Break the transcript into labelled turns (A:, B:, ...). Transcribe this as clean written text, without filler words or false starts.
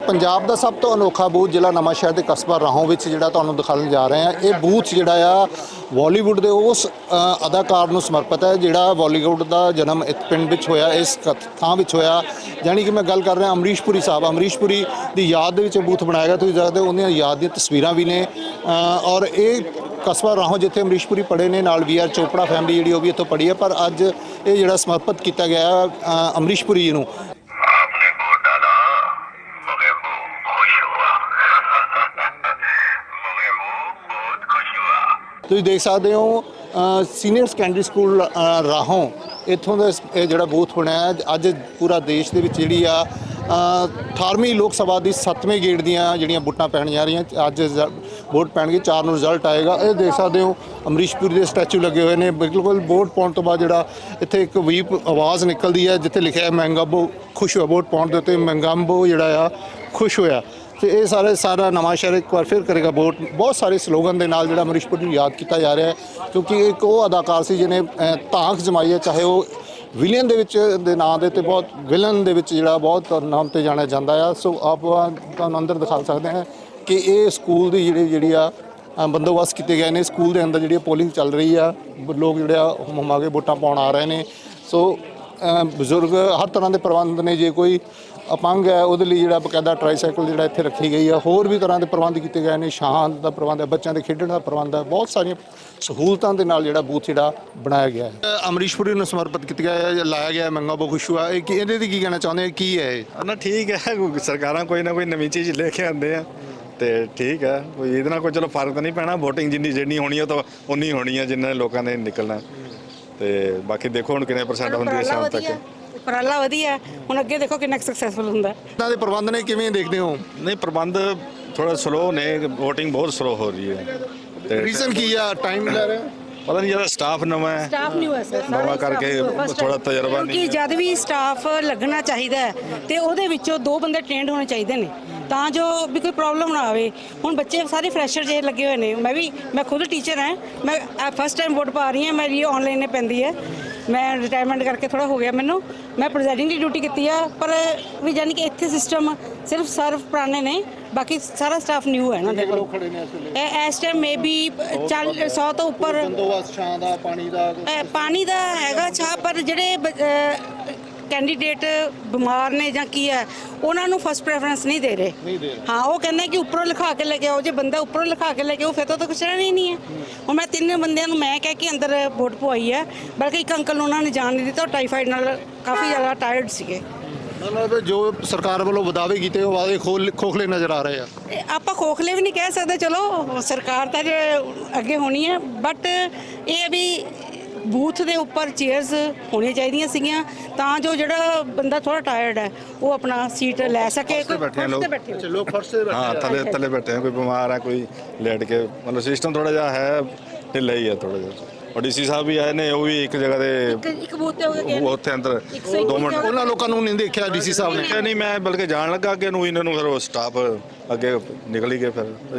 A: पंजाब का सब तो अनोखा बूथ जिला नवांशहर के कस्बा राहों में जिहड़ा तुहानूं दिखाने जा रहे हैं। ये बूथ जिहड़ा आ बॉलीवुड के उस अदाकार नूं समर्पित है जिहड़ा बॉलीवुड का जन्म इस पिंड विच होया, इस थां विच होया। जानी कि मैं गल कर रहा अमरीश पुरी साहब, अमरीश पुरी की याद दे विच बूथ बनाया गया। तुसीं देखदे हो उन्हां याद दी तस्वीरां भी ने। और ये कस्बा राहों जिथे अमरीश पुरी पढ़े ने, नाल वी आर चोपड़ा फैमिली जिहड़ी वो भी इत्थों पढ़ी है। पर अज ये जिहड़ा समर्पित किया गया अमरीश पुरी जी नूं। ਤੁਸੀਂ देख सकते हो सीनियर सैकेंडरी स्कूल राहों इत्थों का जोड़ा बूथ बनया अज पूरा देश के जी 18वीं लोक सभा की 7वें गेड़ दियाँ वोटां पैण जा रही। अज वोट पैणगे, 4 नूं रिजल्ट आएगा। ये देख सकते हो अमरीश पुरी के स्टैचू लगे हुए हैं। बिल्कुल वोट पाने तो बाद जोड़ा इत्थे एक वीप आवाज़ निकलती है जिथे लिखा है मैंगाबो खुश हुआ। वोट पाने के उत्ते मैंगाबो जोड़ा खुश होया। तो ये सारा नवांशहर एक बार फिर करेगा वोट। बहुत सारे स्लोगन के नाल जिहड़ा अमरीश पुरी नूं याद किया जा रहा है, क्योंकि एक वो अदाकार से जिन्हें ताक जमाई है, चाहे वो विलियन दे नाम दे ते बहुत विलन दे विच जिहड़ा बहुत नाम ते जाना जाता है। सो आप तुहानूं अंदर दिखा सकते हैं कि ये स्कूल की जिहड़ी बंदोबस्त किए गए हैं। स्कूल के अंदर जी पोलिंग चल रही है, लोग जोड़े हुम के वोटां पाउण आ रहे हैं। सो बजुर्ग हर तरह के प्रबंध ने, जे कोई अपंग है वो जो बकायदा ट्राईसाइकिल जो इतने रखी गई है। होर भी तरह के प्रबंध किए गए हैं, छां का प्रबंध है, बच्चों के खेडण का प्रबंध है, बहुत सारिया सहूलतों के नाल जो बूथ जो बनाया गया है। अमरीश पुरी नूं समर्पित किया गया, लाया गया मैंगाबो खुश हुआ। ये की कहना चाहते हैं, की है
B: ना? ठीक है, सरकार कोई ना कोई नवी चीज़ लेके आते हैं तो ठीक है। कोई ये कोई चलो फर्क तो नहीं पैना। वोटिंग जिन्नी होनी है तो उन्नी होनी है जिन्ना लोगों ने निकलना। तो बाकी देखो हुण कितने परसेंट होंदी है शाम तक।
C: उपराला वधिया हुण अगे देखो कितना सक्सैसफुल हुंदा।
A: इन्हां दे प्रबंध ने किवें देखते हो?
B: नहीं, प्रबंध थोड़ा स्लो ने, वोटिंग बहुत स्लो हो रही है।
A: रीजन की है? टाइम ले रहे हैं,
B: पता नहीं, ज़्यादा स्टाफ नवा है,
C: स्टाफ न्यू है सर,
B: नवा करके थोड़ा तजर्बा नहीं।
C: क्योंकि जद भी स्टाफ लगना चाहिए तो ਉਹਦੇ ਵਿੱਚੋਂ 2 ਬੰਦੇ ਟ੍ਰੇਨਡ ਹੋਣੇ ਚਾਹੀਦੇ ਨੇ ਤਾਂ ਜੋ ਵੀ ਕੋਈ ਪ੍ਰੋਬਲਮ ਨਾ ਆਵੇ। ਹੁਣ ਬੱਚੇ ਸਾਰੇ ਫਰੈਸ਼ਰ ਜੇ ਲੱਗੇ ਹੋਏ ਨੇ। ਮੈਂ ਖੁਦ ਟੀਚਰ ਹਾਂ, ਮੈਂ ਫਸਟ ਟਾਈਮ ਵੋਟ ਪਾ ਰਹੀ ਹਾਂ। ਮੇਰੀ ਆਨਲਾਈਨ ਪੈਂਦੀ ਹੈ, ਮੈਂ ਰਿਟਾਇਰਮੈਂਟ ਕਰਕੇ ਥੋੜਾ ਹੋ ਗਿਆ ਮੈਨੂੰ। ਮੈਂ ਪ੍ਰੈਜ਼ਾਈਡਿੰਗ ਦੀ ਡਿਊਟੀ ਕੀਤੀ ਆ, ਪਰ ਵੀ ਜਾਨੀ ਕਿ ਇੱਥੇ ਸਿਸਟਮ ਸਿਰਫ ਸਰਵ ਪੁਰਾਣੇ ਨੇ, ਬਾਕੀ ਸਾਰਾ ਸਟਾਫ ਨਿਊ ਹੈ ਨਾ। ਦੇਖੋ ਇਸ ਟਾਈਮ ਮੇ ਬੀ 100 ਤੋਂ ਉੱਪਰ
A: ਬੰਦੋਬਸਤ ਛਾਂ ਦਾ,
C: ਪਾਣੀ ਦਾ ਹੈਗਾ ਛਾਂ। ਪਰ ਜਿਹੜੇ कैंडीडेट बीमार ने ਜਾਂ ਕੀ ਹੈ ਉਹਨਾਂ ਨੂੰ ਫਸਟ ਪ੍ਰੈਫਰੈਂਸ ਨਹੀਂ ਦੇ ਰਹੇ। ਹਾਂ, ਉਹ ਕਹਿੰਦੇ ਕਿ ਉੱਪਰੋਂ ਲਿਖਾ ਕੇ ਲੈ ਕੇ ਆਓ। ਜੇ ਬੰਦਾ ਉੱਪਰੋਂ ਲਿਖਾ ਕੇ ਲੈ ਕੇ ਆਓ ਫਿਰ ਤਾਂ ਕੁਛ ਰਹਿਣਾ ਹੀ ਨਹੀਂ ਹੈ। ਹੁਣ ਮੈਂ 3 ਬੰਦਿਆਂ ਨੂੰ ਮੈਂ ਕਹਿ ਕੇ ਅੰਦਰ ਵੋਟ ਪਵਾਈ ਹੈ, ਬਲਕਿ ਇੱਕ ਅੰਕਲ ਨੂੰ ਉਹਨਾਂ ਨੇ ਜਾਣ ਨਹੀਂ ਦਿੱਤਾ। ਉਹ ਟਾਈਫਾਈਡ ਨਾਲ ਕਾਫੀ ਜ਼ਿਆਦਾ ਟਾਇਰਡ ਸੀਗੇ।
A: मतलब जो सरकार वालों वादे किए वो वादे खोखले नज़र आ रहे हैं।
C: ਆਪਾਂ ਖੋਖਲੇ ਵੀ ਨਹੀਂ ਕਹਿ ਸਕਦੇ, ਚਲੋ ਸਰਕਾਰ ਤਾਂ ਜੇ ਅੱਗੇ ਹੋਣੀ ਹੈ। ਬਟ ਇਹ ਵੀ ਬੂਥ ਦੇ ਉੱਪਰ ਚੇਅਰਸ ਹੋਣੀਆਂ ਚਾਹੀਦੀਆਂ ਸੀਗੀਆਂ ਤਾਂ ਜੋ ਜਿਹੜਾ ਬੰਦਾ ਥੋੜਾ ਟਾਇਰਡ ਹੈ ਉਹ ਆਪਣਾ ਸੀਟ ਲੈ ਸਕੇ।
B: बैठे हैं लोग,
A: लोग फर्श से
B: हाँ थले बैठे हैं। कोई बीमार है, कोई लेट के, मतलब सिस्टम थोड़ा जा है ढिला ही है थोड़ा जा। और डीसी साहब भी आए ने, वो भी एक जगह से
C: ਇੱਕ ਬੂਥ ਤੇ ਹੋ ਗਿਆ
B: वो उत्थे अंदर 2 मिनट
A: ਉਹਨਾਂ ਲੋਕਾਂ ਨੂੰ ਨਹੀਂ ਦੇਖਿਆ ਡੀਸੀ ਸਾਹਿਬ ਨੇ?
B: नहीं, मैं बल्कि जान लगा अगे नूं, इन्होंने फिर वो स्टाफ अगे निकल ही गए फिर।